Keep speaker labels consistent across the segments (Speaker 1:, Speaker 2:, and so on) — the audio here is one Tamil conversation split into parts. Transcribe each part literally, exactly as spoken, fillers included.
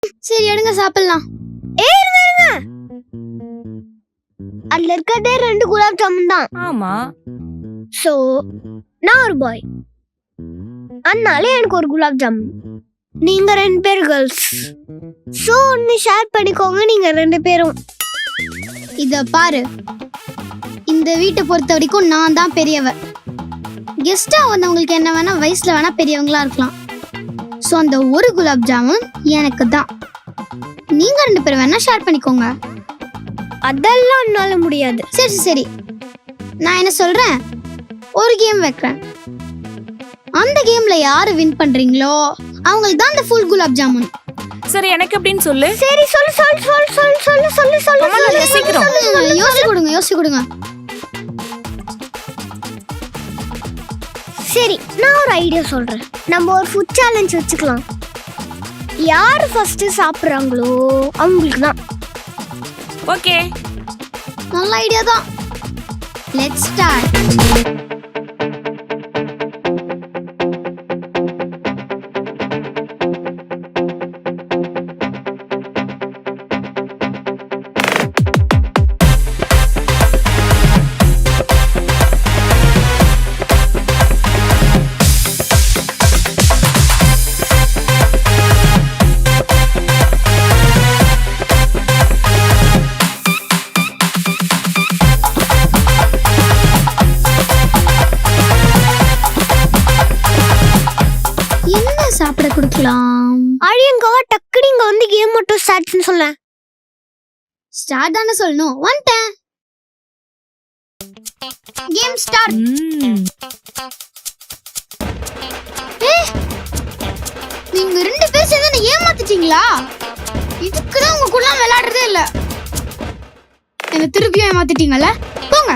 Speaker 1: சரி எடுங்க சாப்பிடலாம்.
Speaker 2: ஏய் இருங்க இருங்க, அதுல இருக்கதே ரெண்டு குலாப் ஜாமுன் தான்.
Speaker 3: ஆமா.
Speaker 2: சோ நான் ஒரு பாய், அதனால எனக்கு ஒரு குலாப் ஜாமுன். நீங்க ரெண்டு பேர் கேர்ள்ஸ், சோ ஒன்னு ஷேர் பண்ணிக்கோங்க நீங்க ரெண்டு பேரும்.
Speaker 1: இத பாரு, இந்த வீட்டை பொறுத்த வரைக்கும் நான் தான் பெரியவ. கெஸ்டா வந்தவங்களுக்கு என்ன வேணா வயசுல வேணா பெரியவங்களா இருக்கலாம். ஸோ அந்த ஒரு குலாப் ஜாமுன் எனக்கு தான். நீங்க ரெண்டு பேரும் வேணா ஷேர் பண்ணிக்கோங்க.
Speaker 2: அதெல்லாம் என்னால முடியாது.
Speaker 1: சரி சரி, நான் என்ன சொல்றேன், ஒரு கேம் வைக்கிறேன். அந்த கேம்ல யாரு வின் பண்றீங்களோ அவங்களுக்கு தான் அந்த ஃபுல் குலாப் ஜாமுன்.
Speaker 3: சரி எனக்கு எப்படின்னு சொல்லு.
Speaker 2: சரி சொல்லு சொல்லு சொல்லு சொல்லு சொல்லு சொல்லு சொல்லு
Speaker 3: அம்மா, நான் யோசிக்கிறோம்.
Speaker 1: யோசி கொடுங்க யோசி கொடுங்க.
Speaker 2: சரி நான் ஒரு ஐடியா சொல்றேன். நம்ம ஒரு ஃபுட் சேலஞ்ச் வச்சுக்கலாம். யார் ஃபர்ஸ்ட் சாப்பிடுறாங்களோ அவங்களுக்கு தான்.
Speaker 3: ஓகே,
Speaker 1: நல்ல ஐடியா தான். Let's start. சாப்பிட கொடுக்கலாம்.
Speaker 2: அழியங்கவா டக்குனு இங்க வந்து கேம் மட்டும் ஸ்டார்ட்னு சொல்ல.
Speaker 1: ஸ்டார்ட் தானே சொல்லணும். வந்துட்டேன். Game start. நீங்க ரெண்டு பேரும் சேர்ந்து என்ன ஏமாத்திட்டீங்களா? இதுக்குதான் உங்க கூட விளையாடுறதே இல்ல. என்ன திருப்பியும் ஏமாத்திட்டீங்கல்ல? போங்க.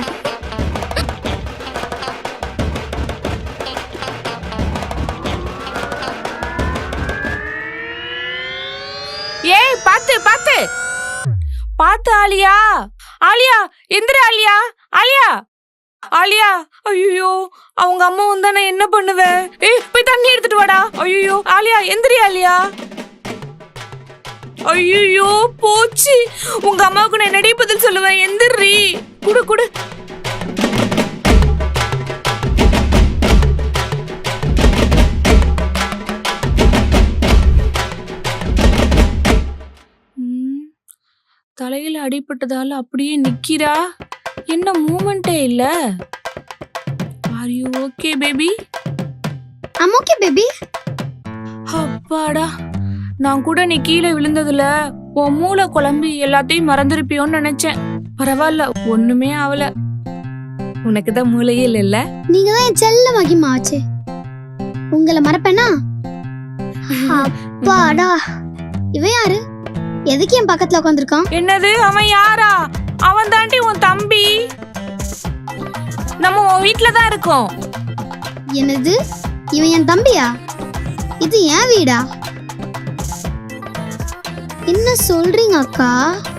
Speaker 3: ஏய் பாத்து பாத்து பாத்து ஆலியா, ஆலியா எந்திர ஆலியா, ஆலியா ஆலியா. ஐயோ அவங்க அம்மா வந்தா நான் என்ன பண்ணுவேன்? ஏய் போய் தண்ணி எடுத்துட்டு வாடா. ஐயோ ஆலியா எந்திரி ஆலியா. ஐயோ போச்சு, உங்க அம்மாவுக்கு நான் என்னடி பதில் சொல்லுவேன்? எந்திரி, குடு குடு. தலையில அடிபட்டதால அப்படியே நிக்கிறா. என்ன மூமெண்டே இல்ல. Are you okay baby?
Speaker 1: I am okay baby.
Speaker 3: அப்பாடா, நான் கூட நீ கீழே விழுந்ததுல உன் மூளை குழம்பி எல்லாத்தையும் மறந்துருப்பியோன்னு நினைச்சேன். பரவாயில்ல, ஒண்ணுமே ஆகல. உனக்கு தான் மூளையே இல்ல.
Speaker 1: நீங்க தான் என் செல்ல மகிமா ஆச்சு. உங்களை மறப்பேனா?
Speaker 2: அப்பாடா.
Speaker 1: இவன் யாரு? எதுக்கு என் பக்கத்துல உட்காந்துருக்கான்?
Speaker 3: என்னது அவன் யாரா? அவன் தாண்டி உன் தம்பி. நம்ம உன் வீட்டுல தான் இருக்கோம்.
Speaker 1: என்னது, இவன் என் தம்பியா? இது என் வீடா? என்ன சொல்றீங்க அக்கா?